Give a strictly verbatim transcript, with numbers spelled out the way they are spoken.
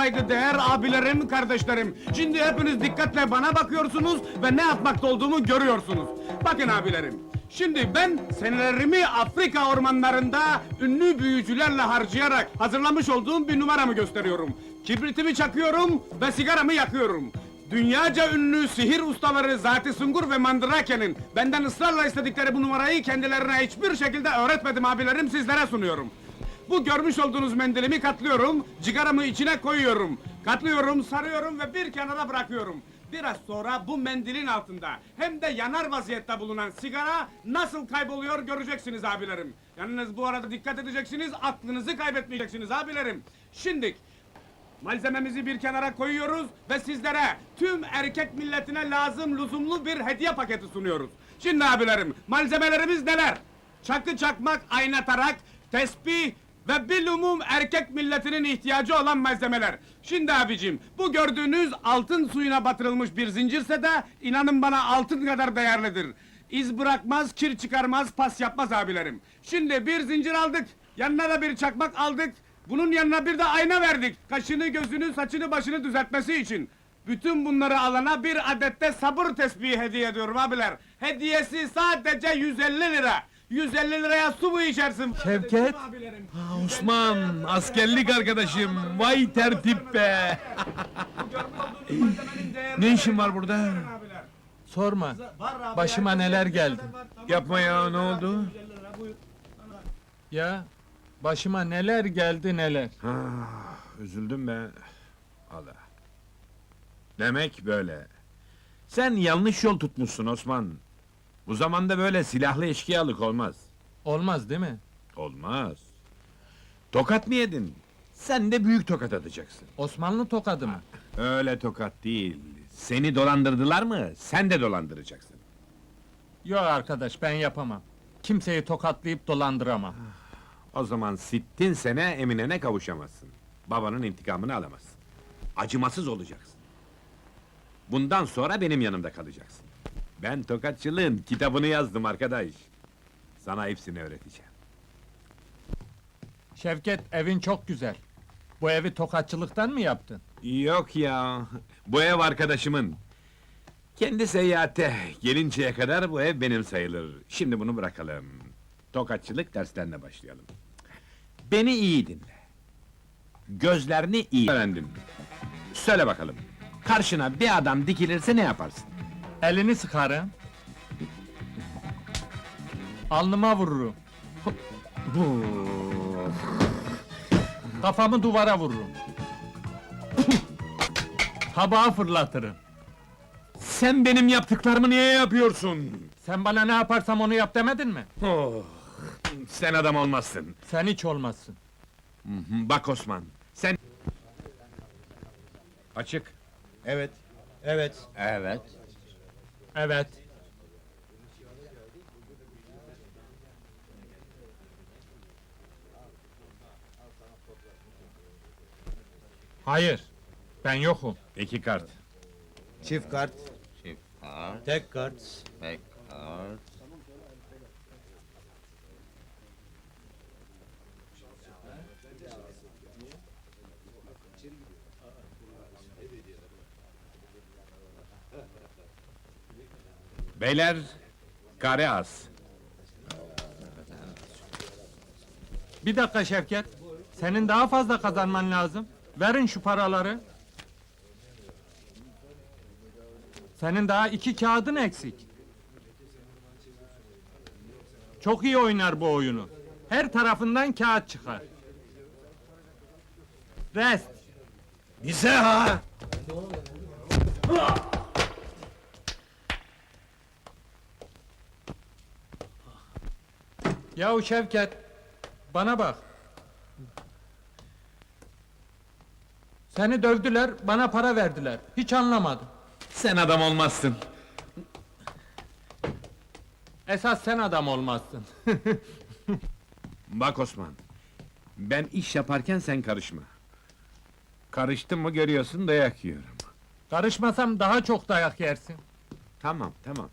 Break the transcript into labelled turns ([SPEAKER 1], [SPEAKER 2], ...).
[SPEAKER 1] saygıdeğer abilerim, kardeşlerim. Şimdi hepiniz dikkatle bana bakıyorsunuz ve ne yapmakta olduğumu görüyorsunuz. Bakın abilerim, şimdi ben senelerimi Afrika ormanlarında ünlü büyücülerle harcayarak hazırlamış olduğum bir numaramı gösteriyorum. Kibritimi çakıyorum ve sigaramı yakıyorum. Dünyaca ünlü sihir ustaları Zati Sungur ve Mandrake'nin benden ısrarla istedikleri bu numarayı kendilerine hiçbir şekilde öğretmedim abilerim, sizlere sunuyorum. Bu görmüş olduğunuz mendilimi katlıyorum, cigaramı içine koyuyorum. Katlıyorum, sarıyorum ve bir kenara bırakıyorum. Biraz sonra bu mendilin altında hem de yanar vaziyette bulunan sigara nasıl kayboluyor göreceksiniz abilerim. Yalnız bu arada dikkat edeceksiniz, aklınızı kaybetmeyeceksiniz abilerim. Şimdi malzememizi bir kenara koyuyoruz ve sizlere tüm erkek milletine lazım lüzumlu bir hediye paketi sunuyoruz. Şimdi abilerim, malzemelerimiz neler? Çakı çakmak, ayna tarak, tesbih ve bilumum erkek milletinin ihtiyacı olan malzemeler. Şimdi abicim, bu gördüğünüz altın suyuna batırılmış bir zincirse de inanın bana altın kadar değerlidir. İz bırakmaz, kir çıkarmaz, pas yapmaz abilerim. Şimdi bir zincir aldık, yanına da bir çakmak aldık. Bunun yanına bir de ayna verdik. Kaşını, gözünü, saçını, başını düzeltmesi için. Bütün bunları alana bir adette sabır tesbihi hediye ediyorum abiler. Hediyesi sadece yüz elli lira. yüz elli liraya su mu içersin?
[SPEAKER 2] Şevket!
[SPEAKER 1] Abilerim.
[SPEAKER 2] Ha, Osman, askerlik arkadaşım, vay tertip be!
[SPEAKER 1] Bu görmüş olduğunuz malzemenin değeri-
[SPEAKER 2] Ne işin var burada?
[SPEAKER 1] Abiler.
[SPEAKER 2] Sorma,
[SPEAKER 1] Var abi,
[SPEAKER 2] başıma
[SPEAKER 1] herkes
[SPEAKER 2] neler
[SPEAKER 1] yüz elli
[SPEAKER 2] geldi.
[SPEAKER 1] lira var, tamam.
[SPEAKER 2] Yapma ya, ne oldu?
[SPEAKER 1] yüz elli lira, buyur.
[SPEAKER 2] Ya, başıma neler geldi neler.
[SPEAKER 3] Ah, üzüldüm be. Allah. Demek böyle. Sen yanlış yol tutmuşsun Osman. Bu zamanda böyle silahlı eşkıyalık olmaz.
[SPEAKER 2] Olmaz değil mi?
[SPEAKER 3] Olmaz. Tokat mı yedin? Sen de büyük tokat atacaksın.
[SPEAKER 2] Osmanlı tokadı mı?
[SPEAKER 3] Öyle tokat değil. Seni dolandırdılar mı? Sen de dolandıracaksın.
[SPEAKER 2] Yok arkadaş, ben yapamam. Kimseyi tokatlayıp dolandıramam.
[SPEAKER 3] O zaman sittin sene Emine'ne kavuşamazsın. Babanın intikamını alamazsın. Acımasız olacaksın. Bundan sonra benim yanımda kalacaksın. Ben tokatçılığın kitabını yazdım arkadaş. Sana hepsini öğreteceğim.
[SPEAKER 2] Şevket, evin çok güzel. Bu evi tokatçılıktan mı yaptın?
[SPEAKER 3] Yok ya, bu ev arkadaşımın. Kendi seyahate gelinceye kadar bu ev benim sayılır. Şimdi bunu bırakalım. Tokatçılık derslerine başlayalım. Beni iyi dinle. Gözlerini iyi öğrendin. Söyle bakalım, karşına bir adam dikilirse ne yaparsın?
[SPEAKER 2] Elini sıkarım. Alnıma vururum. Kafamı duvara vururum. Tabağı fırlatırım.
[SPEAKER 3] Sen benim yaptıklarımı niye yapıyorsun?
[SPEAKER 2] Sen bana ne yaparsam onu yap demedin mi?
[SPEAKER 3] Oh, sen adam olmazsın.
[SPEAKER 2] Sen hiç olmazsın.
[SPEAKER 3] Hı hı, bak Osman, sen... Açık.
[SPEAKER 4] Evet. Evet.
[SPEAKER 3] Evet.
[SPEAKER 2] Evet. Hayır. Ben yokum.
[SPEAKER 3] İki kart.
[SPEAKER 4] Çift kart.
[SPEAKER 5] Çift kart,
[SPEAKER 4] Tek kart.
[SPEAKER 5] tek kart.
[SPEAKER 3] Beyler, kare az.
[SPEAKER 2] Bir dakika Şevket. Senin daha fazla kazanman lazım. Verin şu paraları. Senin daha iki kağıdın eksik. Çok iyi oynar bu oyunu. Her tarafından kağıt çıkar. Rest.
[SPEAKER 4] Bize ha!
[SPEAKER 2] Yahu Şevket, bana bak. Seni dövdüler, bana para verdiler. Hiç anlamadım.
[SPEAKER 3] Sen adam olmazsın.
[SPEAKER 2] Esas sen adam olmazsın.
[SPEAKER 3] Bak Osman, ben iş yaparken sen karışma. Karıştın mı görüyorsun dayak yiyorum.
[SPEAKER 2] Karışmasam daha çok dayak yersin.
[SPEAKER 3] Tamam, tamam.